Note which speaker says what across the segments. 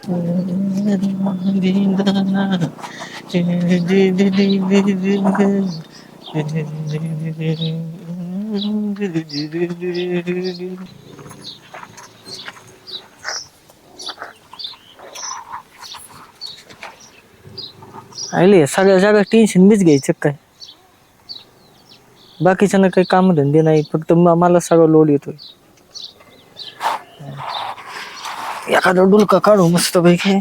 Speaker 1: आले सगळ्या जागा टेन्शन मीच घ्यायचं काय? बाकीच्यांना काही काम धंदे नाही, फक्त मला सगळं लोड येतोय. एखादा डुलका काढू मस्त पैकी.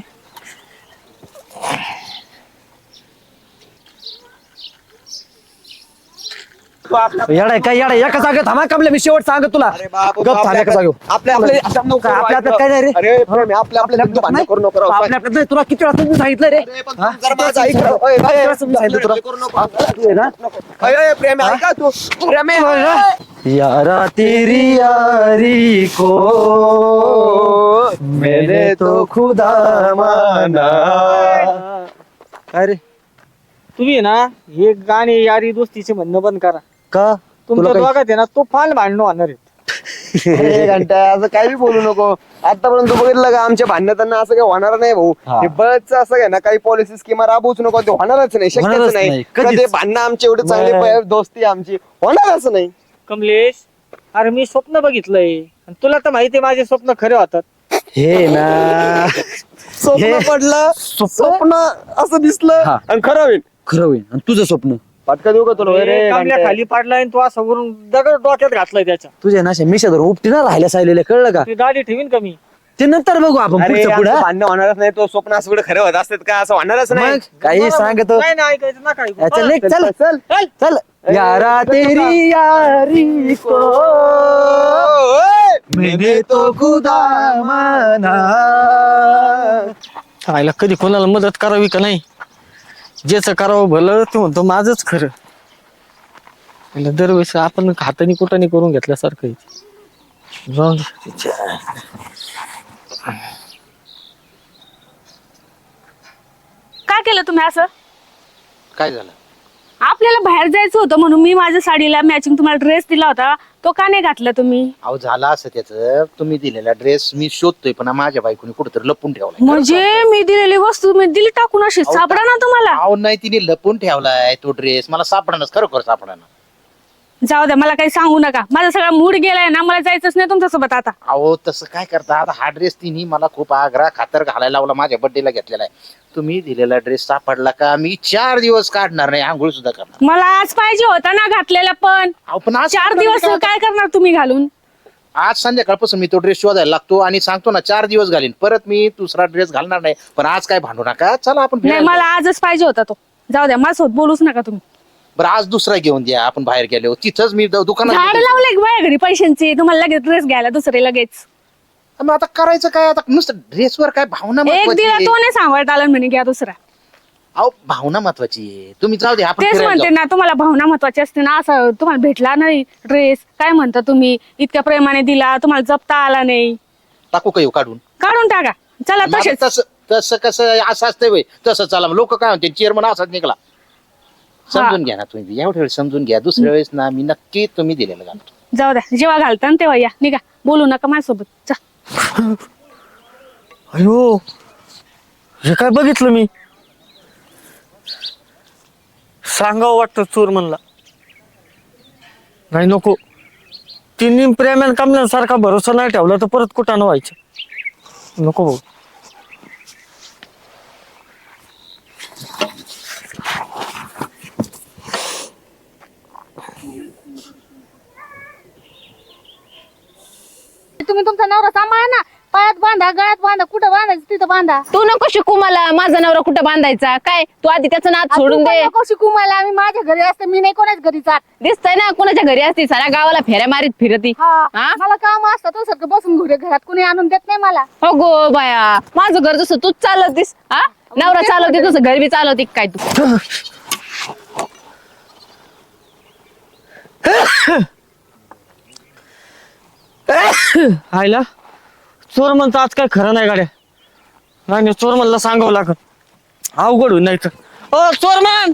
Speaker 2: येडा काय येडा एका जागेत थांबा कमले मी शेवट सांगत तुला. गप थांब एका जागेवर. आपल्या काय नाही रे. आपल्या तुला किती वेळा तुम्ही सांगितलं रे. यारा तेरी यारी को मैंने तो खुदा माना.
Speaker 1: अरे तुम्ही ना हे गाणे यारी दोस्तीचे म्हणणं बंद करा.
Speaker 2: का
Speaker 1: तुमच्या दोघात आहे ना तो फाल भांडणं होणार आहेत.
Speaker 3: घंटा असं काही बी बोलू नको. आतापर्यंत बघितलं का आमच्या भांडणांना असं काही होणार नाही भाऊ. हे बसच असं आहे ना काही पॉलिसी स्कीमा राबवूच नको, ते होणारच नाही, शक्यच नाही. कधी भांडणं आमची एवढे चांगली दोस्ती आमची होणारच नाही.
Speaker 1: कमलेश अरे मी स्वप्न बघितलंय आणि तुला तर माहिती माझे स्वप्न खरे होतात.
Speaker 2: हे ना
Speaker 3: स्वप्न पडलं, स्वप्न असं दिसलं आणि खरं होईल.
Speaker 2: खरं होईल. आणि तुझं स्वप्न
Speaker 3: पटका देऊ का तुला?
Speaker 1: कमल्या खाली पाडलाय आणि तू असं वरून दगड डोक्यात घातलाय त्याच्या.
Speaker 2: तुझ्या ना मिशा धरून उपटी ना राहिल्या सायलेल्या, कळलं का?
Speaker 1: ती दाढी ठेवीन कमी
Speaker 2: ते नंतर बघू आपण पुढचं पुढं.
Speaker 3: भांडणं होणारच नाही. तो स्वप्न असं कुठे खरं होत असतात का? असं होणारच नाही.
Speaker 2: मग काही सांगतो.
Speaker 1: नाही नाही ऐकायचं नका ऐकू.
Speaker 2: चल चल चल चल. यारा तेरी यारी को मैंने तो खुदा माना.
Speaker 1: सांगायला कधी कोणाला मदत करावी का नाही, ज्याचं करावं भलं ते म्हणतो माझंच खरं. दरवेळेस आपण हाताने कुठाने करून घेतल्यासारखं आहे. जाऊन दे.
Speaker 4: काय केलं तुम्ही असं?
Speaker 5: काय झालं?
Speaker 4: आपल्याला बाहेर जायचं होतं म्हणून मी माझ्या साडीला मॅचिंग तुम्हाला ड्रेस दिला होता, तो का नाही घातला तुम्ही?
Speaker 5: अहो झालं असं त्याचं, तुम्ही दिलेला ड्रेस मी शोधतोय पण माझ्या बायकोने कुठेतरी लपून ठेवलाय.
Speaker 4: म्हणजे मी दिलेली वस्तू मी दिली टाकून अशी सापडा ना तुम्हाला.
Speaker 5: अहो नाही, तिने लपून ठेवलाय तो ड्रेस, मला सापडणार, खरोखर सापडणार.
Speaker 4: जाऊ द्या, मला काही सांगू नका. माझा सगळा मूड गेलाय ना, मला जायचंच नाही तुमच्यासोबत आता.
Speaker 5: अहो तसं काय करता आता, हा ड्रेस तिने मला खूप आग्रह खातर घालायला लावला, माझ्या बर्थडेला घेतलेला आहे. तुम्ही दिलेला ड्रेस सापडला का मी 4 दिवस काढणार नाही, आंघोळ सुद्धा करणार.
Speaker 4: मला आज पाहिजे होता ना घातलेला, पण
Speaker 5: पण आज
Speaker 4: 4 दिवस काय करणार तुम्ही घालून?
Speaker 5: आज संध्याकाळपासून मी तो ड्रेस शोधायला लागतो आणि सांगतो ना 4 दिवस घालीन, परत मी दुसरा ड्रेस घालणार नाही. पण आज काय भांडू नका, चला आपण
Speaker 4: नाही, मला आजच पाहिजे होता तो. जाऊ द्या, माझ्यासोबत बोलूच नका तुम्ही.
Speaker 5: बरं आज दुसरा घेऊन द्या, आपण बाहेर गेलो तिथंच मी दुकानात.
Speaker 4: झाड लावले माझ्या घरी पैशांची, तुम्हाला लगेच ड्रेस घ्यायला दुसरे लगेच.
Speaker 5: मग आता करायचं काय? आता नुसतं ड्रेसवर काय भावना
Speaker 4: एक
Speaker 5: महत्वाची
Speaker 4: दिला
Speaker 5: आहे.
Speaker 4: तो नाही सांभाळता आला म्हणे घ्या दुसरा.
Speaker 5: अहो भावना महत्वाची आहे, तुम्ही जाऊ दे आपण
Speaker 4: तेच
Speaker 5: फिरायला
Speaker 4: म्हणते
Speaker 5: जाऊ.
Speaker 4: ना, तुम्हाला भावना महत्वाची असते ना. असं तुम्हाला भेटला नाही ड्रेस, काय म्हणता तुम्ही? इतक्या प्रेमाने दिला, तुम्हाला जपता आला नाही.
Speaker 5: टाकू का येऊ काढून?
Speaker 4: काढून टाका, चला
Speaker 5: मग
Speaker 4: तसेच.
Speaker 5: तसं तसं कसं असं असतंय होय, तसं चला. लोक काय म्हणते चेअरमन असाच निघाला. समजून घ्या ना तुम्ही, एवढ्या वेळेस समजून घ्या. दुसऱ्या वेळेस ना मी नक्की तुम्ही दिलेलं घालतो.
Speaker 4: जाऊ द्या, जेव्हा घालता ना तेव्हा या, निघा, बोलू नका माझ्यासोबत. जा.
Speaker 1: अयो हे काय बघितलं मी? सांगावं वाटतं चोर म्हणला. नाही नको, तिन्ही प्रेमान कमल्यासारखा भरोसा नाही ठेवला तर परत कुठं व्हायचं. नको भाऊ.
Speaker 6: तुम्ही तुमचा नवरा सांभाळा ना. पायात बांधा, गळ्यात बांधा, कुठं बांधायचं तिथं बांधा.
Speaker 7: तू नको शिकू मला माझा नवरा कुठं बांधायचा. काय तू आधी त्याचं नाद सोडून दे.
Speaker 6: नको शिकू मला, आम्ही माझ्या घरी असते, मी नाही कोणाच घरी जात.
Speaker 7: दिसतंय ना कुणाच्या घरी असती, साऱ्या गावाला फेऱ्या मारीत फिरती. हा?
Speaker 6: मला काम असतं तो सारखं बसून घरात कुणी आणून देत नाही मला.
Speaker 7: हो गो बाया, माझं घर जसं तूच चालवतीस. हा, नवरा चालवते तसं घर बी चालवते काय तू?
Speaker 1: आयला चोर म्हणतो आज काय खरं नाही गाड्या. नाही चोर म्हणला सांगावं लागत, अवघड होईल नाही तर. ओ चोरमन,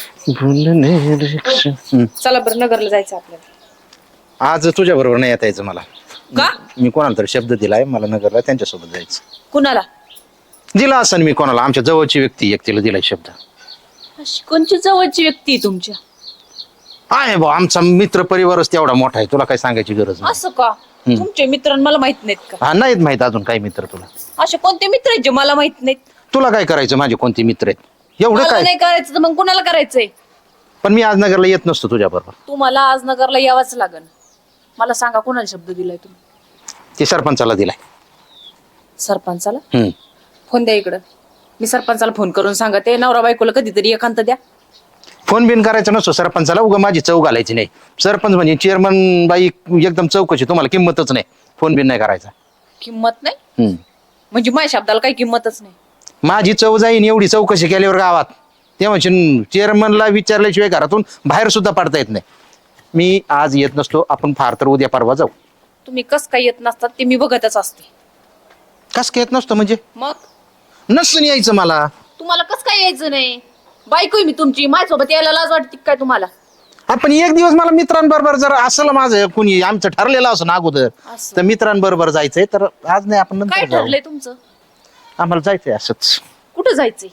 Speaker 8: चला बरं, नगरला जायचं आपल्याला.
Speaker 5: आज तुझ्या बरोबर नाही येता यायचं मला.
Speaker 8: का?
Speaker 5: मी कोणाला तरी शब्द दिलाय, मला नगरला त्यांच्यासोबत जायचं.
Speaker 8: कुणाला?
Speaker 5: दिला असं मी कोणाला, आमच्या जवळची व्यक्ती एक तिला दिलाय शब्द.
Speaker 8: अशी कोणची जवळची व्यक्ती आहे तुमच्या?
Speaker 5: आहे भाऊ, आमचा मित्र परिवारच तेवढा मोठा आहे, तुला काय सांगायची गरज नाही.
Speaker 8: असं का? तुमचे मित्र मला माहित नाहीत का?
Speaker 5: हा, नाहीत माहित अजून काही मित्र तुला.
Speaker 8: असे कोणते मित्र आहेत जे मला माहित नाहीत?
Speaker 5: तुला काय करायचं माझे कोणते मित्र आहेत एवढं
Speaker 8: मला
Speaker 5: काय?
Speaker 8: नाही करायचं तर मग कुणाला करायचंय?
Speaker 5: पण मी आज नगरला येत नसतो तुझ्या बरोबर.
Speaker 8: तुम्हाला आज नगरला यावंच लागन. मला सांगा कोणाला शब्द दिलाय तुम्ही?
Speaker 5: ते सरपंचाला दिलाय.
Speaker 8: सरपंचाला?
Speaker 5: हम्म.
Speaker 8: फोन द्या इकडं. मी सरपंचाला फोन करून सांगते, नवरा बायकोला कधीतरी एकांत द्या.
Speaker 5: फोन बिन करायचा नसतो सरपंचाला, उगा माझी चव घालायची नाही. सरपंच म्हणजे चेअरमन बाई एकदम चौकशी, तुम्हाला किंमतच नाही. फोन बिन नाही करायचा.
Speaker 8: किंमत नाही
Speaker 5: हम्म.
Speaker 8: म्हणजे माझ्या शब्दाला काही किंमतच नाही?
Speaker 5: माझी चव जाईन एवढी चौकशी केल्यावर गावात, तेव्हा चेअरमनला विचारल्याशिवाय घरातून बाहेर सुद्धा पडता येत नाही. मी आज येत नसलो, आपण फार तर उद्या परवा जाऊ.
Speaker 8: तुम्ही कस काय येत नसतात ते मी बघतच असते.
Speaker 5: कस काय येत नसतो म्हणजे?
Speaker 8: मग
Speaker 5: नसून यायचं मला.
Speaker 8: तुम्हाला कस काय यायचं नाही? बायको आहे मी तुमची, माझ्यासोबत यायला लाज वाटते काय तुम्हाला?
Speaker 5: आपण एक दिवस मला मित्रांबरोबर जर असलं माझं कुणी आमचं ठरलेलं असं ना अगोदर,
Speaker 8: असं.
Speaker 5: तर मित्रांबरोबर जायचंय. तर आज नाही, आपण
Speaker 8: काय
Speaker 5: नंतर जाऊ.
Speaker 8: ठरलंय तुमचं?
Speaker 5: आम्हाला जायचंय असंच,
Speaker 8: कुठं जायचंय?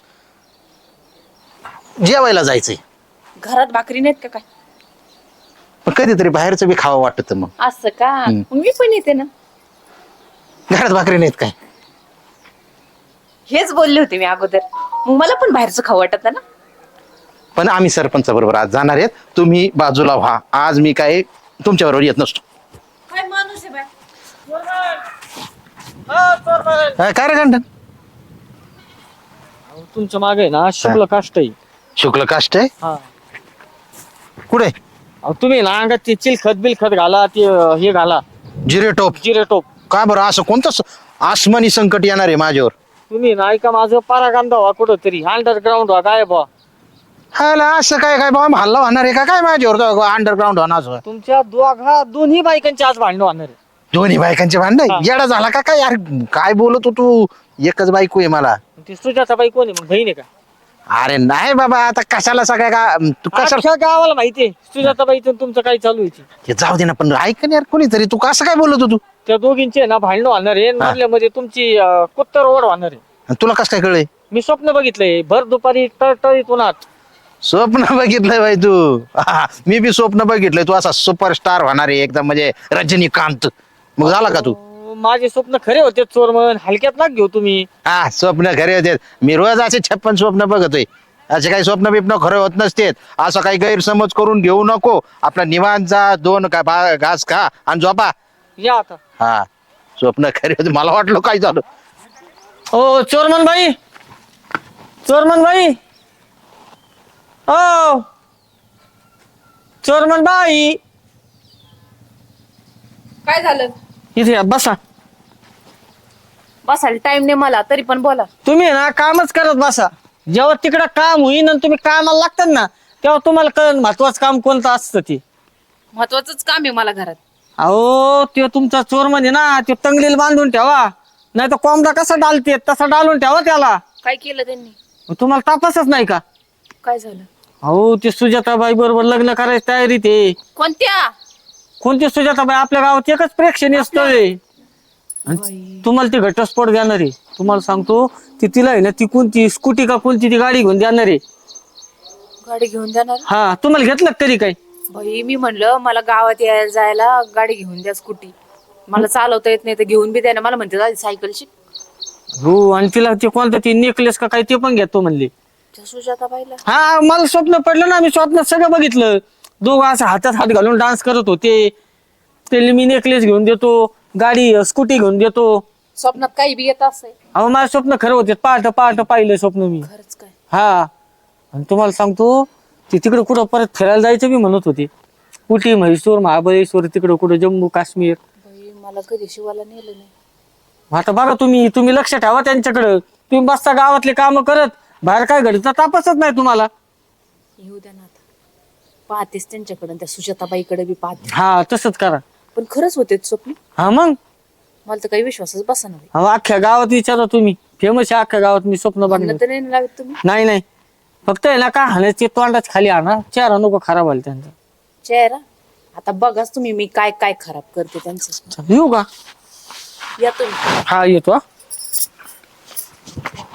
Speaker 5: जेवायला जायचंय.
Speaker 8: घरात भाकरी नाहीत का काय?
Speaker 5: पण कधीतरी बाहेरचं बी खावं वाटतं. मग
Speaker 8: असं का? मग मी पण येते ना.
Speaker 5: घरात भाकरी नाहीत काय?
Speaker 8: हेच बोलले होते मी अगोदर. मग मला पण बाहेरचं खाऊ वाटत ना.
Speaker 5: पण आम्ही सरपंच बरोबर आज जाणार आहेत, तुम्ही बाजूला व्हा. आज मी काय तुमच्या बरोबर येत नसतो.
Speaker 8: काय माणूस आहे बाय?
Speaker 5: काय रे गंठन?
Speaker 1: तुमच्या मागे ना शुक्ल काष्ट आहे.
Speaker 5: शुक्ल काष्ट आहे
Speaker 1: हा.
Speaker 5: कुठे?
Speaker 1: अहो, तुम्ही ना अंगात ते चिलखत बिलखत घाला, ते हे घाला,
Speaker 5: जिरे टोप.
Speaker 1: जिरे टोप.
Speaker 5: का बरं असं कोणतं आसमानी संकट येणार आहे माझ्यावर?
Speaker 1: तुम्ही ना ऐका माझं पाराकांदा व्हा कुठं तरी, अंडरग्राऊंड व्हा. काय बा
Speaker 5: हाला असं काय काय बाबा, हल्ला होणार आहे का काय माझ्यावर? अंडरग्राऊंड होणार.
Speaker 1: तुमच्या दोन्ही बायकांची आज भांडणं होणार आहे.
Speaker 5: दोन्ही बायकांचे भांडण?
Speaker 1: हा.
Speaker 5: येडा झाला का काय यार? काय बोलत तू? एकच बायको आहे मला.
Speaker 1: ती सुजाता बाई कोण आहे मग, बहीण आहे का?
Speaker 5: अरे नाही बाबा, आता कशाला सगळ्या का तू कशाला?
Speaker 1: अख्ख्या गावाला माहितीये सुजाता बाईचं तुमचं काय चालू आहे.
Speaker 5: हे जाऊ दे ना, पण ऐक ना यार कोणीतरी, तू कसं काय बोलत तू?
Speaker 1: त्या दोघींचे ना भांडणं होणार आहे. मधल्यामध्ये तुमची कुत्तर ओढ होणार आहे.
Speaker 5: आणि तुला कसं काय कळलंय?
Speaker 1: मी स्वप्न बघितलंय भर दुपारी टळटळीत उन्हात.
Speaker 5: स्वप्न बघितलंय बाई तू? हा, मी बी स्वप्न बघितलंय. तू असा सुपरस्टार होणार आहे एकदम, म्हणजे रजनीकांत. मग झाला का तू?
Speaker 1: माझे स्वप्न खरे होते चोरमन, हलक्यात ना घेऊ तुम्ही.
Speaker 5: हा, स्वप्न खरे होते. मी रोज असे 56 स्वप्न बघतोय. असे काही स्वप्न बिप्न खरे होत नसतेत. असं काही गैरसमज करून घेऊ नको. आपला निवांत जा, 2 घास खा आणि झोपा.
Speaker 1: या आता.
Speaker 5: हा, स्वप्न खरे होते. मला वाटलं काय झालं.
Speaker 1: ओ चोरमन बाई, चोरमन बाई, ओ चोरमन बाई,
Speaker 8: काय झालं?
Speaker 1: इथे या, बसा.
Speaker 8: बसायला टाइम नाही मला, तरी पण बोला.
Speaker 1: तुम्ही ना कामच करत बसा. जेव्हा तिकडं काम होईन आणि तुम्ही कामाला लागतात ना, तेव्हा तुम्हाला कळण महत्वाचं काम कोणतं असतं ते.
Speaker 8: महत्वाचंच काम आहे मला घरात.
Speaker 1: अहो ते तुमचा चोरमन आहे ना, ते तंगलीला बांधून ठेवा. नाही तर कोंबडा कसा डालते तसा डालून ठेवा त्याला.
Speaker 8: काय केलं त्यांनी?
Speaker 1: मग तुम्हाला तापासच नाही का?
Speaker 8: काय झालं?
Speaker 1: अहो ते सुजाताबाई बरोबर लग्न करायची तयारी ते.
Speaker 8: कोणत्या?
Speaker 1: कोणती सुजाताबाई? आपल्या गावात एकच प्रेक्षणीय स्थळ आहे. आणि तुम्हाला ती घटस्फोट देणार आहे. तुम्हाला सांगतो, ती तिला आहे ना, ती कोणती स्कूटी का कोणती ती गाडी घेऊन देणार आहे.
Speaker 8: गाडी घेऊन जाणार?
Speaker 1: हा, तुम्हाला घेतलं का तरी काय?
Speaker 8: बाई मी म्हणलं मला गावात यायला जायला गाडी घेऊन द्या, स्कूटी. मला चालवता येत नाही तर घेऊन बी द्या ना. मला म्हणते जा सायकल शिक.
Speaker 1: हो, आणि तिला ते कोणतं ती नेकलेस का काय ते पण घेतो म्हणले.
Speaker 8: त्या सुजाताबाईला?
Speaker 1: हा, मला स्वप्न पडलं ना, मी स्वप्नात सगळं बघितलं. दोघं असं हातात हात घालून डान्स करत होते. ते मी नेकलेस घेऊन देतो, गाडी स्कूटी घेऊन देतो.
Speaker 8: स्वप्नात काही बी येत असेल.
Speaker 1: अहो माझं स्वप्न खरं होते. पहाट पहाट पाहिलं स्वप्न मी.
Speaker 8: खरंच काय?
Speaker 1: हा, आणि तुम्हाला सांगतो, ते तिकडे कुठं परत फिरायला जायचं बी म्हणत होते. उटी, म्हैसूर, महाबळेश्वर, तिकडं कुठं जम्मू काश्मीर.
Speaker 8: बाई मला कधी शिवाला नेलं नाही.
Speaker 1: आता बघा तुम्ही लक्ष ठेवा त्यांच्याकडं. तुम्ही बसता गावातले काम करत, बाहेर काय घडतं तापसच नाही तुम्हाला.
Speaker 8: येऊ द्या ना आता. पाहतेस त्यांच्याकडे, त्या सुजाताबाईकडे बी पाहते.
Speaker 1: हा, तसंच करा.
Speaker 8: पण खरंच होते स्वप्न?
Speaker 1: हा मग.
Speaker 8: मला तर काही विश्वासच बसना.
Speaker 1: अहो अख्ख्या गावात विचारा तुम्ही, फेमस आहे अख्ख्या गावात मी स्वप्न बघणं.
Speaker 8: तर नाही लावत तुम्ही?
Speaker 1: नाही, फक्त आहे ना का हाणायचे तोंडाच खाली आणा, चेहरा नको खराब व्हायला त्यांचा.
Speaker 8: चेहरा? आता बघाच तुम्ही मी काय काय खराब करते त्यांचं.
Speaker 1: येऊ का?
Speaker 8: या तुम्ही.
Speaker 1: हा, येतो.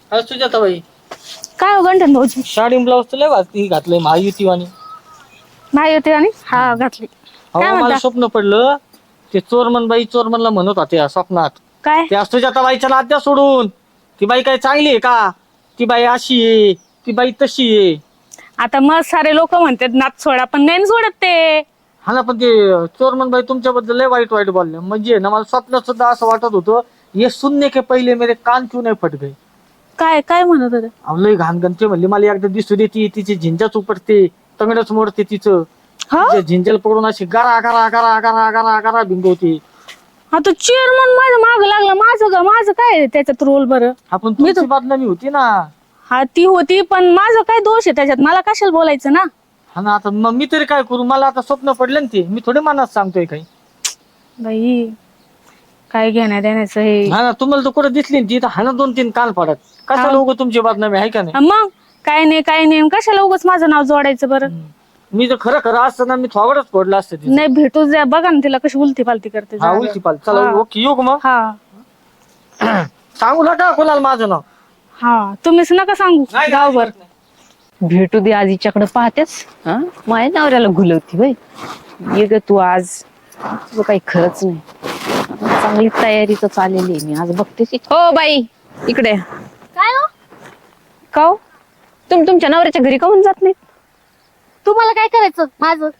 Speaker 1: सुजाताबाई
Speaker 4: काय हो गंठन भाऊजी
Speaker 1: साडी ब्लाऊज तर लय वाजती घातलंय महायुतीवानी.
Speaker 4: नाही होते आणि हा घातली.
Speaker 1: अहो
Speaker 4: काय
Speaker 1: मला
Speaker 4: म्हणता?
Speaker 1: स्वप्न पडलं ते चोरमनला म्हणत होते या स्वप्नात.
Speaker 4: काय
Speaker 1: त्या सुजाताबाईच्या नात्या सोडून ती बाई काय चांगली आहे का, ती बाई अशी आहे, ती बाई तशी आहे.
Speaker 4: आता मग सारे लोक म्हणतात नात सोडा पण नाही सोडत ते.
Speaker 1: हा ना, पण ते चोरमनबाई तुमच्याबद्दल लय वाईट वाईट बोलले. म्हणजे ना मला स्वप्नात सुद्धा असं वाटत होतं ये सुनने के पहिले मेरे कान क्यों नाही फट गए.
Speaker 4: काय काय म्हणत होते?
Speaker 1: अहो लय घाण ते म्हणले मला एकदा दिसू देती तिची झिंजाच उपटते तंगडच मोडते तिचं.
Speaker 4: हा
Speaker 1: तिच्या झिंजल पडून अशी गरा गरा गरा गरा गरा गरा भिंगवते.
Speaker 4: आता चेअरमन माझं माग लागला. माझं काय त्याच्यात रोल बरं?
Speaker 1: आपण तुमची बदनामी होती ना.
Speaker 4: हा ती होती पण माझं काय दोष आहे त्याच्यात? मला कशाला बोलायचं ना.
Speaker 1: हा ना, आता मग मी तरी काय करू, मला आता स्वप्न पडलं ना ते, मी थोडे मनात सांगतोय काही.
Speaker 4: बाई काय घेण्यात देण्याचं हे.
Speaker 1: हा ना, तुम्हाला तर कुठे दिसली ना ती तर हा ना 2-3 कान पडत. कशाला उगं तुमची बदनामी आहे का नाही.
Speaker 4: हा मग काय नाही कशाला उगाच माझं नाव जोडायचं बरं.
Speaker 1: मी तर खरं खरं असतं ना मी थोडंच पडलं असतं तिचं.
Speaker 4: नाही भेटू द्या. बघा ना तिला कशी उलती पालती करते.
Speaker 1: हा उलटी पाल. चला
Speaker 4: हा.
Speaker 1: ओके येऊ का मग.
Speaker 4: हा
Speaker 1: सांगू नका कोणाला माझं नाव.
Speaker 4: हा तुम्हीच नका सांगू गावभर.
Speaker 7: भेटू दे आज हिच्याकडे पाहतेच. हा माझ्या नवऱ्याला घुलवती बाई. ये ग तू आज. तुझं काही खरंच नाही. चांगली तयारी तर चाललेली आहे. मी आज बघतेच. हो बाई इकडे.
Speaker 6: काय हो
Speaker 7: का हो? तुमच्या नवऱ्याच्या घरी काहून जात नाही?
Speaker 6: तुम्हाला काय करायचं माझं?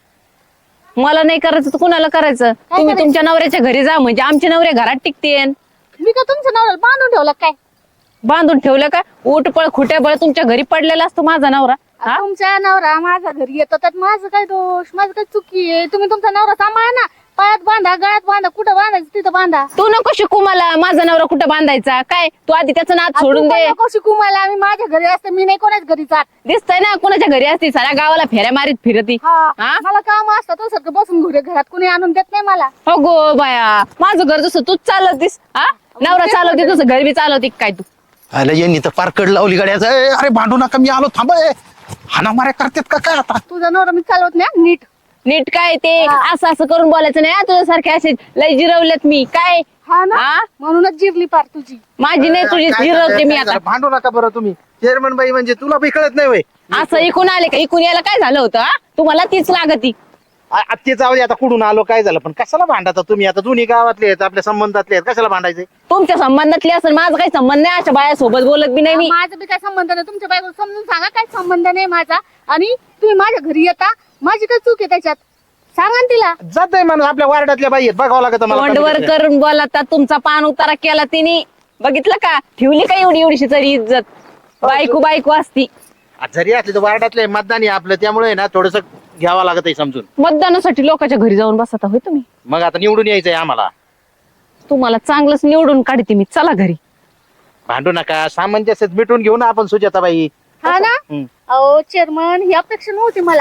Speaker 7: मला नाही करायचं तर कुणाला करायचं? तुम्ही
Speaker 6: करायचं?
Speaker 7: तुमच्या नवऱ्याच्या घरी जा म्हणजे आमचे नवरे घरात टिकतेन.
Speaker 6: मी का तुमच्या नवऱ्याला बांधून ठेवलं काय?
Speaker 7: बांधून ठेवलं का? उठपळ खुट्याबळ तुमच्या घरी पडलेला असतो माझा नवरा. हा
Speaker 6: तुमच्या नवरा माझ्या घरी येतो त्यात माझं काय दोष? माझं काय चुकी आहे? तुम्ही तुमचा नवरा सांभाळा ना. पायात बांधा, गळ्यात बांधा, कुठं बांधायचं तिथं बांधा.
Speaker 7: तू नको शिकू मला माझा नवरा कुठं बांधायचा. काय तू आधी त्याचं नाद सोडून
Speaker 6: तू पण
Speaker 7: दे.
Speaker 6: नको शिकू मला. मी माझ्या घरी असते. मी नाही कोणाच घरी जात.
Speaker 7: दिसतंय ना कुणाच्या घरी असती साऱ्या गावाला फेऱ्या मारीत फिरती.
Speaker 6: हा
Speaker 7: हा?
Speaker 6: मला काम असतं तो सारखं बसून घरात कुणी आणून देत नाही मला.
Speaker 7: हो गो बाया माझं घर जसं तूच चालवतीस. हा नवरा चालवते तुझं घर बी चालवते काय तू?
Speaker 5: अरे यांनी तर पार कड लावली गाड्याचं. अरे भांडू नका, मी आलो थांब. हाना माऱ्या करतात का काय आता.
Speaker 6: तुझा नवरा मी चालवत नाही नीट.
Speaker 7: नीट काय ते असं असं करून बोलायचं नाही. तुझ्यासारखे असे लय जिरवलेत मी काय.
Speaker 6: हा ना
Speaker 7: हा?
Speaker 6: म्हणूनच जिरली पार तुझी.
Speaker 7: माझी नाही तुझी
Speaker 5: काय
Speaker 7: जिरवते
Speaker 5: झालं,
Speaker 7: मी
Speaker 5: काय
Speaker 7: आता.
Speaker 5: झालं? भांडू नका बरं तुम्ही. चेअरमन बाई म्हणजे तुला बी कळत नाही वय.
Speaker 7: असं इकून आले का? इकून यायला काय झालं होतं? हा? तुम्हाला तीच लागती.
Speaker 5: ते जाऊ दे आता कुठून आलो काय झालं, पण कशाला भांडता तुम्ही आता. दोन्ही गावातले आहेत आपल्या संबंधातले आहेत, कशाला भांडायचे.
Speaker 7: तुमच्या संबंधातली असेल माझा काही संबंध नाही. अशा बायासोबत बोलत बी नाही मी.
Speaker 6: माझं बी काय संबंध नाही. तुमच्या बायको समजून सांगा काय संबंध नाही माझा. आणि तुम्ही माझ्या घरी येता. माझी काय चूक आहे त्याच्यात? सांगा ना तिला.
Speaker 5: जात माणूस आपल्या वार्डातल्या बाई आहेत, बघावं लागत मला.
Speaker 7: तोंडवर करून बोलता. तुमचा पान उतारा केला तिने. बघितलं का? ठेवली का एवढीशी तरी इज्जत? बायको असती.
Speaker 5: जरी असले तर वार्डातले मतदान आहे आपलं, त्यामुळे ना थोडस घ्यावं लागत आहे समजून.
Speaker 7: मतदानासाठी लोकांच्या घरी जाऊन बसता होय तुम्ही?
Speaker 5: मग आता निवडून यायचंय आम्हाला.
Speaker 7: तुम्हाला चांगलंच निवडून काढते मी. चला घरी.
Speaker 5: भांडू नका, सामंजस्यात मिटून घेऊ ना आपण सुजाताबाई.
Speaker 6: हा ना. अहो चेअरमन ही अपेक्षा नव्हती मला.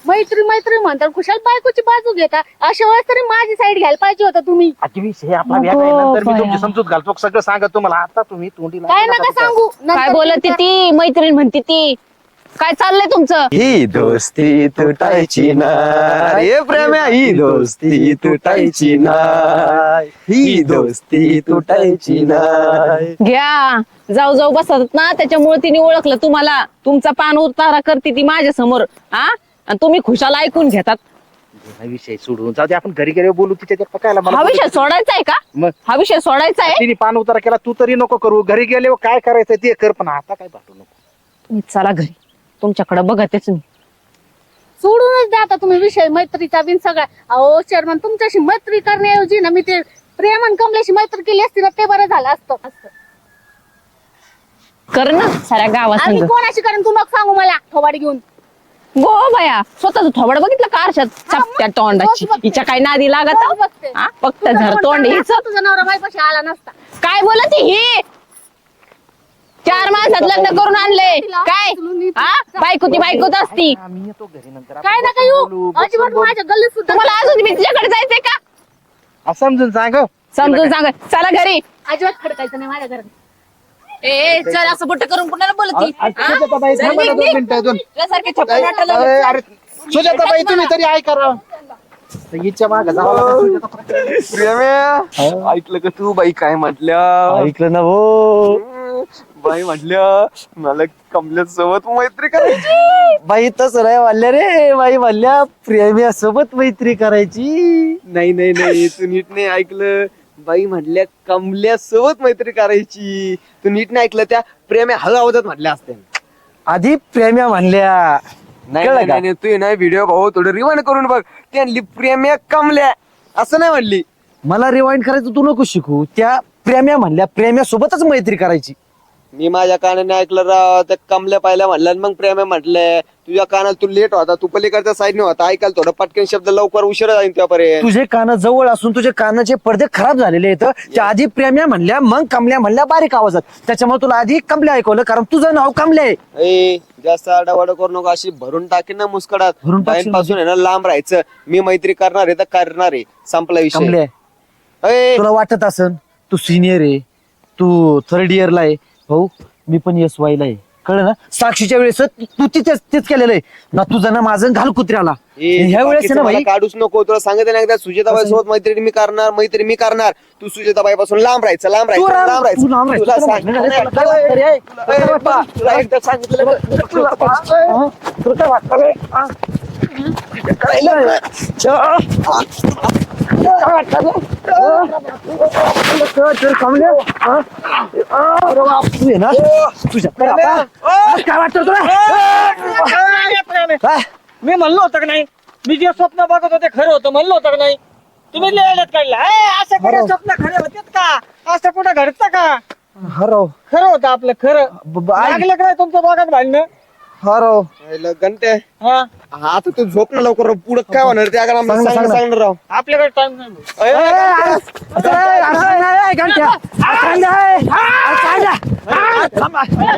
Speaker 6: मैत्री म्हणतात खुशाल बायकोची बाजू घेता. अशा वेळेस तरी माझी साईड घ्यायला पाहिजे होता तुम्ही.
Speaker 5: आजची विषय आपला वेगळा आहे, नंतर मी तुमची समजूत घालतो सगळं सांगत तुम्हाला. आता तुम्ही तोंडी
Speaker 6: काय नका सांगू.
Speaker 7: काय
Speaker 6: नंतर
Speaker 7: बोलते ती मैत्रीण म्हणते ती. काय चाललंय तुमचं?
Speaker 2: ही दोस्ती तुटायची नाही. हे प्रेम्या ही दोस्ती तुटायची नाही. ही दोस्ती तुटायची नाही.
Speaker 7: घ्या जाऊ बसतात ना त्याच्यामुळे तिने ओळखलं तुम्हाला. तुमचा पान उतारा करते ती माझ्या समोर. हा आणि तुम्ही खुशाल ऐकून घेतात.
Speaker 5: हा विषय सोडून जाऊ दे, आपण घरी गेले बोलू. तिच्या पकायला
Speaker 7: हा विषय सोडायचा आहे का?
Speaker 5: मग
Speaker 7: हा विषय सोडायचा आहे.
Speaker 5: तिने पान उतारा केला, तू तरी नको करू. घरी गेले काय करायचं ते कर, पण आता काय भांडू नको.
Speaker 7: तुम्ही चला घरी. तुमच्याकडे बघतेच मी.
Speaker 6: सोडूनच द्या आता तुम्ही विषय मैत्रीचा बिन सगळा. अहो चेअरमन तुमच्याशी मैत्री करण्याऐवजी ना मी ते प्रेमन कमलेशी मैत्री केली असती ना ते बरं झालं असतं.
Speaker 7: कर ना साऱ्या गावात
Speaker 6: आणि
Speaker 7: संग.
Speaker 6: कोणाशी करेन तू नको सांगू मला. थोबाडी घेऊन
Speaker 7: गो बाया स्वतःच थोबड बघितलं का आरशात? चपट्या तोंडाची. हिच्या काय नादी लागत?
Speaker 6: रोज बघते.
Speaker 7: हा? फक्त
Speaker 6: तुझं
Speaker 7: झर
Speaker 6: पण
Speaker 7: तोंड
Speaker 6: चांगलं
Speaker 7: हिच.
Speaker 6: असतं, तुझा नवरा माझ्यापाशी आला नसता.
Speaker 7: काय बोलत ही? 4 माणसात लग्न करून आणले काय? हा बायकोती बायकोत असती.
Speaker 5: आम्ही येतो घरी नंतर.
Speaker 6: काय नका येऊ. अजिबात माझ्या गल्लीत सुद्धा
Speaker 7: तुम्हाला अजून मी तिच्याकडे जायचंय का?
Speaker 5: समजून सांग.
Speaker 7: समजून सांग. चला घरी.
Speaker 6: अजिबात खडकायचं नाही माझ्या घरात.
Speaker 7: ए चल असं बोट करून कुणाला बोलती?
Speaker 5: सुजाताबाई थांबा ना 2 मिनिटं अजून. अरे सुजाताबाई तुम्ही तरी ऐका राव. हिच्या मागं जावं लागतं सुजाताबाई.
Speaker 3: प्रेम्या ऐकलं का तू बाई काय म्हटल्या?
Speaker 2: ऐकलं ना भाऊ.
Speaker 3: बाई म्हटल्या मला कमल्या सोबत मैत्री करायची.
Speaker 2: बाई तसं नाही म्हणल्या रे, बाई म्हणल्या प्रेम्या सोबत मैत्री करायची.
Speaker 3: नाही नाही नाही तू नीट नाही ऐकलं. बाई म्हटल्या कमल्या सोबत मैत्री करायची. तू नीट नाही ऐकलं. त्या प्रेम्या हळू आवाजात म्हटल्या असत्या.
Speaker 2: आधी प्रेम्या म्हणल्या.
Speaker 3: नाही
Speaker 2: कळलं
Speaker 3: नाही
Speaker 2: का?
Speaker 3: नाही, तू ना व्हिडिओ भाऊ थोडं रिवाइंड करून बघ. त्यांनी प्रेम्या कमल्या असं नाही म्हणली.
Speaker 2: मला रिवाइंड करायचं तू नको शिकू. त्या प्रेम्या म्हणल्या प्रेम्या सोबतच मैत्री करायची.
Speaker 3: मी माझ्या कानाने ऐकलं राव. त्या कमल्या पाहिल्या म्हणल्या आणि मग प्रेम्या म्हटलंय. तुझ्या कानाला तू लेट होता, तू पलीकडच्या साईडने होता, ऐकायला थोडं पटकन शब्द लवकर उशिरा जाईल त्यापर्यंत.
Speaker 2: तुझे कान जवळ असून तुझे कानाचे पडदे खराब झालेले आहेत. त्या आधी प्रेम्या म्हणल्या मग कमल्या म्हणल्या बारीक आवाजात. त्याच्यामुळे तुला आधी कमल्या ऐकवलं कारण तुझं नाव कमल्या आहे.
Speaker 3: ए जास्त आडावाडा करू नको. अशी भरून टाकेन ना मुस्कडात.
Speaker 2: भरून टाकशील
Speaker 3: पासून आहे ना लांब राहायचं. मी मैत्री करणार आहे तर करणार आहे. संपला
Speaker 2: कमल्या
Speaker 3: विषय. ए,
Speaker 2: तुला वाटत असन तू सिनियर आहे, तू थर्ड इयरला आहे. भाऊ मी पण SY ला आहे. कळलं ना? साक्षीच्या वेळेस तू तेच केलेलं आहे ना. तुझं ना माझं घाल कुत्र्याला.
Speaker 3: ए,
Speaker 2: ह्या वेळेस
Speaker 3: बाकीचं
Speaker 2: ना
Speaker 3: मला
Speaker 2: भाई
Speaker 3: काढूच नको. तुला सांगितलं ना एकदा सुजाताबाई सोबत मैत्री मी करणार. तू सुजाताबाई पासून लांब राहायचं. लांब
Speaker 2: तू
Speaker 3: राहायचं.
Speaker 2: लांब-
Speaker 3: लांब
Speaker 2: तू लांब
Speaker 3: राहायचं.
Speaker 2: राहायचं.
Speaker 3: तुला
Speaker 2: तुला
Speaker 3: सांगितलं
Speaker 2: तुला
Speaker 3: ना
Speaker 2: काय वाटतं रे?
Speaker 3: एकदा.
Speaker 2: तुला काय वाटतं?
Speaker 3: तुला एकदा सांगितलं ना.
Speaker 2: तुला काय वाटतं रे? हा? काय वाटतं रे? तर कमल्या, हा? अरे बाप, तू आहे ना तुझ्या काय वाटतं तुला? काय?
Speaker 1: मी म्हणलो होतं का नाही, मी जे स्वप्न बघत होते खरं होतं म्हणलं होतं का नाही. तुम्ही लेण्यात काढला असं कुठे स्वप्न खरे होते का? असं कुठं घडतं का?
Speaker 2: हरव
Speaker 1: खरं होतं आपलं खरं. लागलं का नाही तुमचं बघत भांडणं?
Speaker 2: हरव
Speaker 3: घंटे
Speaker 1: हा
Speaker 3: आता तू झोप ना लवकर. पुढे काय होणार ते आम्हाला
Speaker 2: सांग ना, सांग ना.
Speaker 3: सांगणार राव.
Speaker 1: आपल्याकडे टाइम नाही.
Speaker 2: घंट्या